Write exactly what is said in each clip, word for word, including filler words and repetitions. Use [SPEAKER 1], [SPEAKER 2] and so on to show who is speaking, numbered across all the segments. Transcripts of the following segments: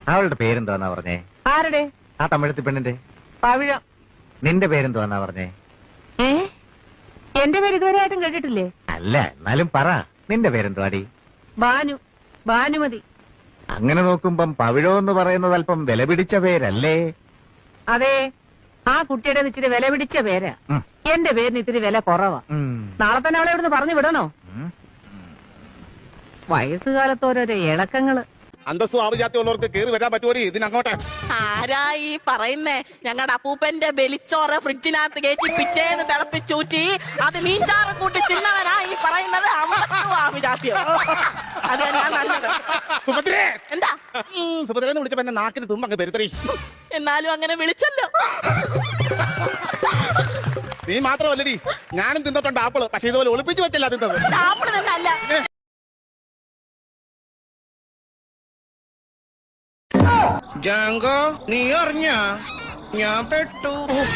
[SPEAKER 1] അവളുടെ പേരെന്തോന്നാ പറഞ്ഞേ?
[SPEAKER 2] ആരുടെ?
[SPEAKER 1] ആ തമിഴത്തി പെണ്ണിന്റെ.
[SPEAKER 2] പവിഴം.
[SPEAKER 1] നിന്റെ പേരെന്തോന്നാ പറഞ്ഞേ?
[SPEAKER 2] ഏ എന്റെ പേര് ഇതുവരെ ആയിട്ടും കേട്ടിട്ടില്ലേ?
[SPEAKER 1] അല്ല, എന്നാലും പറ, നിന്റെ പേരെന്തുവാടി?
[SPEAKER 2] ബാനു. ഭാനുമതി.
[SPEAKER 1] അങ്ങനെ നോക്കുമ്പം പവിഴം എന്ന് പറയുന്നത് അല്പം വില പിടിച്ച പേരല്ലേ?
[SPEAKER 2] അതെ, ആ കുട്ടിയുടെ ഇച്ചിരി വില പിടിച്ച പേരാ. എന്റെ പേരിന് ഇത്തിരി വില കുറവാ. നാളെ തന്നെ അവളെ ഇവിടുന്ന് പറഞ്ഞു വിടണോ? വയസ്സുകാലത്ത് ഓരോരോ ഇളക്കങ്ങള്.
[SPEAKER 3] അന്തസ്സും ആവുജാത്യമുള്ളവർക്ക് കയറി വരാൻ പറ്റുമോ ഇതിനങ്ങോട്ട്?
[SPEAKER 4] ആരാ ഈ പറയുന്നേ? ഞങ്ങളുടെ അപ്പൂപ്പന്റെ വെളിച്ചോറ് ഫ്രിഡ്ജിനകത്ത് കയറ്റി പിറ്റേന്ന് തിളപ്പിച്ചൂറ്റി അത് മീൻചാറ് കൂട്ടി തിന്നവനാ ഈ പറയുന്നത് അന്തസ്സും ആവുജാത്യം. അത് ഞാൻ നല്ലത്.
[SPEAKER 3] സുഭദ്രേ,
[SPEAKER 4] എന്താ
[SPEAKER 3] സുഭദ്രന്ന് വിളിച്ചപ്പോ എന്റെ നാക്കിന് തുമ്പ് അങ്ങ് പെരുത്തറി.
[SPEAKER 4] എന്നാലും അങ്ങനെ വിളിച്ചല്ലോ.
[SPEAKER 3] നീ മാത്രമല്ലടി, ഞാനും തിന്നിട്ടുണ്ട് ആപ്പിള്. പക്ഷെ ഇതുപോലെ ഒളിപ്പിച്ചു വെച്ചല്ല തിന്നത്.
[SPEAKER 4] ആപ്പിള് തന്നെ അല്ല.
[SPEAKER 5] ജാങ്കോ, നീ അറിഞ്ഞ ഞാൻ പെട്ടു.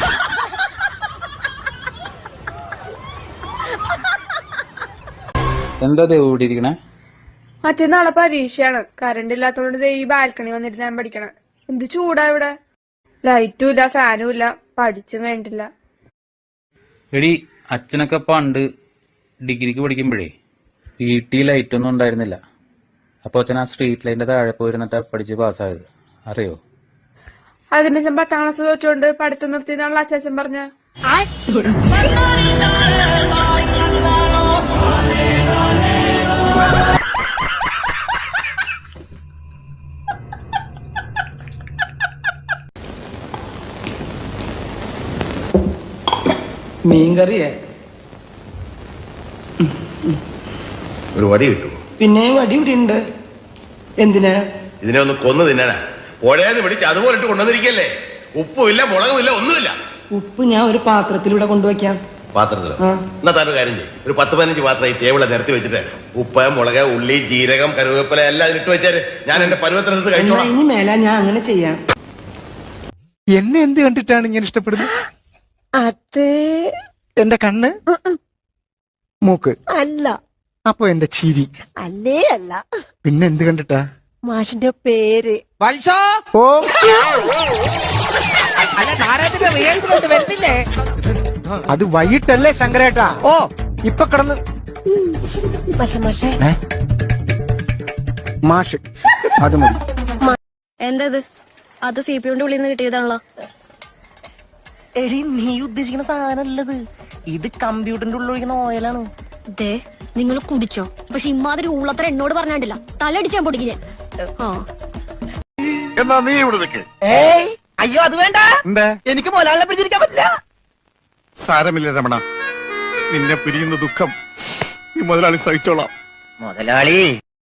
[SPEAKER 6] എന്താ ഇവിടെ ഇരിക്കണേ?
[SPEAKER 7] മറ്റന്നാളെ പരീക്ഷയാണ്. കറണ്ട് ഇല്ലാത്തോണ്ട് ഈ ബാൽക്കണി വന്നിട്ട് ഞാൻ പഠിക്കണം. എന്ത് ചൂടാ ഇവിടെ. ലൈറ്റും ഇല്ല, ഫാനും ഇല്ല, പഠിച്ചും വേണ്ടില്ല.
[SPEAKER 6] എടി, അച്ഛനൊക്കെ പണ്ട് ഡിഗ്രിക്ക് പഠിക്കുമ്പോഴേ വീട്ടിൽ ലൈറ്റൊന്നും ഉണ്ടായിരുന്നില്ല. അപ്പൊ അച്ഛൻ ആ സ്ട്രീറ്റ് ലൈറ്റിന്റെ താഴെ പോയിരുന്നിട്ട് പഠിച്ച് പാസ്സായത് അറിയോ?
[SPEAKER 7] അതിന്റെ അച്ഛൻ പത്താം ക്ലാസ് തോറ്റുകൊണ്ട് പഠിത്തം നിർത്തിയെന്നാണല്ലോ അച്ഛൻ പറഞ്ഞ.
[SPEAKER 5] മീൻകറിയേ?
[SPEAKER 8] ഒരു വടി കിട്ടും.
[SPEAKER 5] പിന്നെ വടി ഇവിടെ ഉണ്ട്. എന്തിനാ?
[SPEAKER 8] ഇതിനെ ഒന്ന് കൊന്നു തിന്നാനാ. പുഴയെന്ന് പിടിച്ച് അതുപോലെ ഇട്ട് കൊണ്ടുവന്നിരിക്കല്ലേ. ഉപ്പുമില്ല, മുളകുമില്ല, ഒന്നുമില്ല.
[SPEAKER 5] ഉപ്പ് ഞാൻ ഒരു പാത്രത്തിലൂടെ കൊണ്ടുവയ്ക്കാം.
[SPEAKER 8] പാത്രത്തിലോ? എന്നാ താൻ ഒരു കാര്യം ചെയ്യും, ഒരു പത്ത് പതിനഞ്ച് പാത്രം ഈ ടേബിളെ നിരത്തി വെച്ചിട്ട് ഉപ്പ്, മുളക്, ഉള്ളി, ജീരകം, കരുവേപ്പില എല്ലാം ഇട്ട് വെച്ചാല് ഞാൻ എന്റെ പരുവത്തിനടുത്ത് കഴിച്ചോളാം.
[SPEAKER 5] ഇനി മേല ഞാൻ അങ്ങനെ ചെയ്യാം.
[SPEAKER 9] എന്നെ എന്ത് കണ്ടിട്ടാണ് ഇങ്ങനെ ഇഷ്ടപ്പെടുന്നത്?
[SPEAKER 5] അതേ,
[SPEAKER 9] എന്റെ കണ്ണ്, മൂക്ക്
[SPEAKER 5] അല്ല.
[SPEAKER 9] അപ്പൊ എന്റെ ചിരി
[SPEAKER 5] അല്ലേ അല്ല.
[SPEAKER 9] പിന്നെ എന്ത് കണ്ടിട്ടാ?
[SPEAKER 5] മാഷിന്റെ പേര്.
[SPEAKER 9] ഓ,
[SPEAKER 5] വരുന്നില്ലേ?
[SPEAKER 9] അത് വൈകിട്ടല്ലേ ശങ്കരേട്ടാ? ഓ, ഇപ്പൊ കിടന്ന് മാഷ് അത് മതി.
[SPEAKER 10] എന്തത്? അത് സി പി യുടെ ഉള്ളിൽ നിന്ന് കിട്ടിയതാണല്ലോ.
[SPEAKER 5] എടി, നീ ഉദ്ദേശിക്കുന്ന സാധനല്ലത്. ഇത് കമ്പ്യൂട്ടറിന്റെ ഉള്ളിൽ ഒഴിക്കുന്ന ഓയിലാണ്.
[SPEAKER 10] ദേ, നിങ്ങൾ കുടിച്ചോ. പക്ഷെ ഇമാതിരി ഉള്ളത്ര എന്നോട് പറഞ്ഞാണ്ടില്ല, തലടിച്ചാൻ പൊടിക്കില്ല.
[SPEAKER 8] എന്നാ നീ ഇവിടെ നിൽക്ക്.
[SPEAKER 4] ഏയ് അയ്യോ, അത് വേണ്ട. എനിക്ക് മോലാളിനെ പിടിച്ചിരിക്കാൻ പറ്റില്ല.
[SPEAKER 3] സാരമില്ല രമണ, നിന്നെ പിരിയുന്ന ദുഃഖം ഈ മുതലാളി സഹിച്ചോളാം.
[SPEAKER 2] മുതലാളി,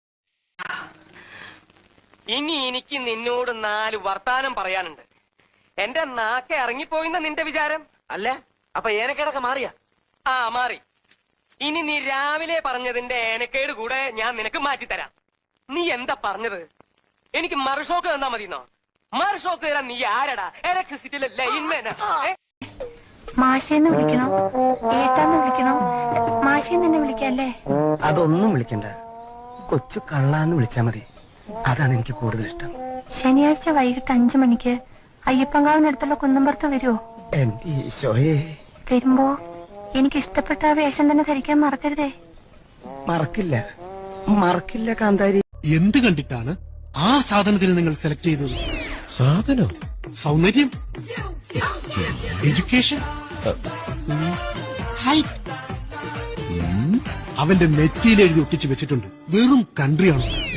[SPEAKER 11] ഇനി എനിക്ക് നിന്നോട് നാല് വർത്താനം പറയാനുണ്ട്. എന്റെ നാക്കെ ഇറങ്ങിപ്പോയിന്ന നിന്റെ വിചാരം അല്ല? അപ്പൊ ഏനക്കേടൊക്കെ മാറിയ? ആ, മാറി. ഇനി നീ രാവിലെ പറഞ്ഞതിന്റെ ഏനക്കേട് കൂടെ ഞാൻ നിനക്ക് മാറ്റിത്തരാം. നീ എന്താ പറഞ്ഞത്? എനിക്ക് മറുഷോക്ക് തന്നാ മതിന്നോ? മറുഷോക്ക് തരാൻ നീ ആരടാ? ഇലക്ട്രിസിറ്റിയിലെ ലൈൻമാനാ?
[SPEAKER 10] മാഷേന്ന് വിളിക്കണോ, ഏട്ടാന്ന് വിളിക്കണോ? മാഷേന്ന് തന്നെ വിളിക്കല്ലേ?
[SPEAKER 5] അതൊന്നും വിളിക്കണ്ട, കൊച്ചു കള്ളാന്ന് വിളിച്ചാ മതി. അതാണ് എനിക്ക് കൂടുതൽ ഇഷ്ടം.
[SPEAKER 10] ശനിയാഴ്ച വൈകിട്ട് അഞ്ചു മണിക്ക് അയ്യപ്പങ്കാവിനടുത്തുള്ള കുന്നമ്പുറത്ത് വരുമോ?
[SPEAKER 5] എന്റെ ഈശോയെ.
[SPEAKER 10] വരുമ്പോ എനിക്ക് ഇഷ്ടപ്പെട്ട ആ വേഷം തന്നെ ധരിക്കാൻ മറക്കരുതേ.
[SPEAKER 5] മറക്കില്ല, മറക്കില്ല കാന്താരി.
[SPEAKER 9] എന്ത് കണ്ടിട്ടാണ് ആ സാധനത്തിന് നിങ്ങൾ സെലക്ട് ചെയ്തത്? സാധനം, സൗന്ദര്യം, എഡ്യൂക്കേഷൻ, ഹൈറ്റ്. അവന്റെ നെറ്റിയിൽ എഴുതി ഒട്ടിച്ചു വെച്ചിട്ടുണ്ട്. വെറും കൺട്രിയാണോ?